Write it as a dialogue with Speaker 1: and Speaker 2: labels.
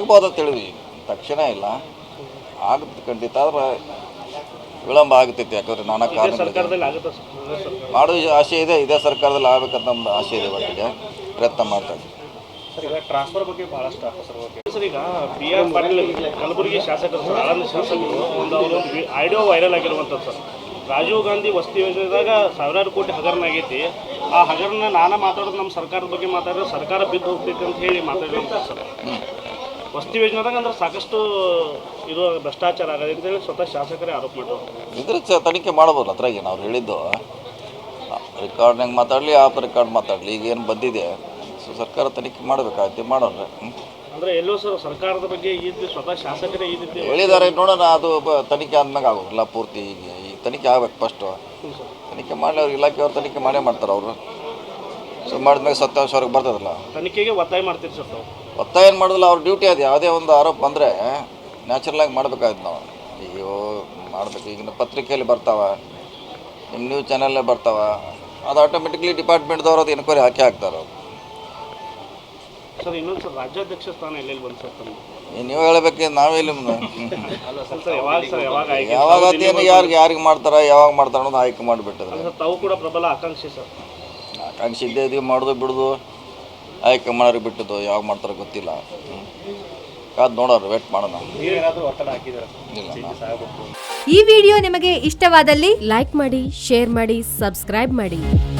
Speaker 1: ಆಗ್ಬೋದು ಅಂತ ಹೇಳಿದ್ವಿ, ತಕ್ಷಣ ಇಲ್ಲ, ಆಗುತ್ತೆ ಖಂಡಿತ. ಆದರೆ ವಿಳಂಬ ಆಗ್ತೈತಿ, ಯಾಕಂದರೆ ನಾನಾ ಕಾರಣಗಳಿದೆ. ಮಾಡೋ ಆಸೆ ಇದೆ, ಇದೇ ಸರ್ಕಾರದಲ್ಲಿ ಆಗಬೇಕಂತ ನಮ್ದು ಆಸೆ ಇದೆ. ಒಟ್ಟಿಗೆ ಪ್ರಯತ್ನ ಮಾಡ್ತಾ ಇದ್ದೀವಿ.
Speaker 2: ಸರ್, ಈಗ ಟ್ರಾನ್ಸ್ಫರ್ ಬಗ್ಗೆ ಭಾಳಷ್ಟು ಸರ್, ಈಗ ಬಿ ಆರ್ ಪಾಟೀಲ್ ಕಲಬುರಗಿ ಶಾಸಕರು ಸರ್, ಆಳಂದ ಶಾಸಕರು ಅವರೊಂದು ಆಡಿಯೋ ವೈರಲ್ ಆಗಿರುವಂಥದ್ದು ಸರ್. ರಾಜೀವ್ ಗಾಂಧಿ ವಸತಿ ಯೋಜನೆದಾಗ ಸಾವಿರಾರು ಕೋಟಿ ಹಗರಣ ಆಗೈತಿ. ಆ ಹಗರಣ ನಾನು ಮಾತಾಡೋದು ನಮ್ಮ ಸರ್ಕಾರದ ಬಗ್ಗೆ ಮಾತಾಡಿದ್ರೆ ಸರ್ಕಾರ ಬಿದ್ದು ಹೋಗ್ತೈತೆ ಅಂತ ಹೇಳಿ ಮಾತಾಡಿರೋಂಥ ಸರ್. ವಸತಿ ಯೋಜನೆದಾಗ ಅಂದ್ರೆ ಸಾಕಷ್ಟು ಇದು ಭ್ರಷ್ಟಾಚಾರ ಆಗದೆ ಅಂತೇಳಿ ಸ್ವತಃ ಶಾಸಕರೇ ಆರೋಪ ಮಾಡೋರು.
Speaker 1: ಇದ್ರ ತನಿಖೆ ಮಾಡ್ಬೋದು. ಅದ್ರಾಗೇನು ಅವ್ರು ಹೇಳಿದ್ದು ರೆಕಾರ್ಡ್ನಾಗ ಮಾತಾಡಲಿ, ಆಪ್ ರೆಕಾರ್ಡ್ ಮಾತಾಡಲಿ, ಈಗೇನು ಬಂದಿದೆ ಸರ್ಕಾರ ತನಿಖೆ ಮಾಡಬೇಕಾಗುತ್ತೆ, ಮಾಡೋಣ.
Speaker 2: ಅಂದರೆ ಎಲ್ಲೋ ಸರ್ ಸರ್ಕಾರದ ಬಗ್ಗೆ ಈ ರೀತಿ ಸ್ವತಃ ಶಾಸಕರೇ ಈ ರೀತಿ
Speaker 1: ಹೇಳಿದ್ದಾರೆ, ನೋಡೋಣ. ಅದು ತನಿಖೆ ಆದ್ಮೇಲೆ ಆಗೋಲ್ಲ ಪೂರ್ತಿ. ಈಗ ತನಿಖೆ ಆಗ್ಬೇಕು ಫಸ್ಟು. ತನಿಖೆ ಮಾಡಲಿ, ಅವ್ರು ಇಲಾಖೆಯವ್ರು ತನಿಖೆ ಮಾಡೇ ಮಾಡ್ತಾರೆ. ಅವರು ಸೊ ಮಾಡಿದ್ಮೇಲೆ ಸತ್ಯಾಂಶ ಅವ್ರಿಗೆ ಬರ್ತದಲ್ಲ.
Speaker 2: ತನಿಖೆಗೆ ಒತ್ತಾಯ ಮಾಡ್ತೀರಿ ಸರ್ ತಾವು?
Speaker 1: ಒತ್ತಾಯ ಏನು ಮಾಡೋದಿಲ್ಲ, ಅವ್ರ ಡ್ಯೂಟಿ ಅದು. ಯಾವುದೇ ಒಂದು ಆರೋಪ ಬಂದರೆ ನ್ಯಾಚುರಲಾಗಿ ಮಾಡಬೇಕಾಯ್ತು ನಾವು. ಈಗ ಮಾಡಬೇಕು. ಈಗಿನ ಪತ್ರಿಕೆಯಲ್ಲಿ ಬರ್ತಾವೆ, ನಿಮ್ಮ ನ್ಯೂಸ್ ಚಾನಲ್ಲೇ ಬರ್ತಾವೆ, ಅದು ಆಟೋಮೆಟಿಕ್ಲಿ ಡಿಪಾರ್ಟ್ಮೆಂಟ್ದವ್ರು ಅದು ಎನ್ಕ್ವೈರಿ ಹಾಕ್ತಾರೆ ಅವರು.
Speaker 2: ಸರ್, ಇನ್ನೊಂದು ಸರ್, ರಾಜ್ಯಾಧ್ಯಕ್ಷ ಸ್ಥಾನ ಎಲ್ಲೆಲ್ಲಿ ಬಂದು ಸರ್ ತಮ್ಮ?
Speaker 1: ನೀವು ಹೇಳಬೇಕು, ನಾವೆಲ್ಲಿ
Speaker 2: ಯಾವಾಗ
Speaker 1: ಅದೇನು ಯಾರಿಗೆ ಮಾಡ್ತಾರೆ, ಯಾವಾಗ ಮಾಡ್ತಾರೆ ಅನ್ನೋದು ಆಯ್ಕೆ ಮಾಡಿಬಿಟ್ಟಿದ್ರೆ.
Speaker 2: ತಾವು ಕೂಡ ಪ್ರಬಲ ಆಕಾಂಕ್ಷಿ ಸರ್?
Speaker 1: ಆಕಾಂಕ್ಷಿ ಇದ್ದೇ ಇದೀವಿ, ಮಾಡೋದು ಬಿಡೋದು ಆಯ್ಕೆ ಮಾಡೋರಿಗೆ ಬಿಟ್ಟದ್ದು. ಯಾವಾಗ ಮಾಡ್ತಾರೆ ಗೊತ್ತಿಲ್ಲ. ಕಾದು ನೋಡೋರು, ವೇಟ್ ಮಾಡೋಣ.
Speaker 3: ಈ ವಿಡಿಯೋ ನಿಮಗೆ ಇಷ್ಟವಾದಲ್ಲಿ ಲೈಕ್ ಮಾಡಿ, ಶೇರ್ ಮಾಡಿ, ಸಬ್ಸ್ಕ್ರೈಬ್ ಮಾಡಿ.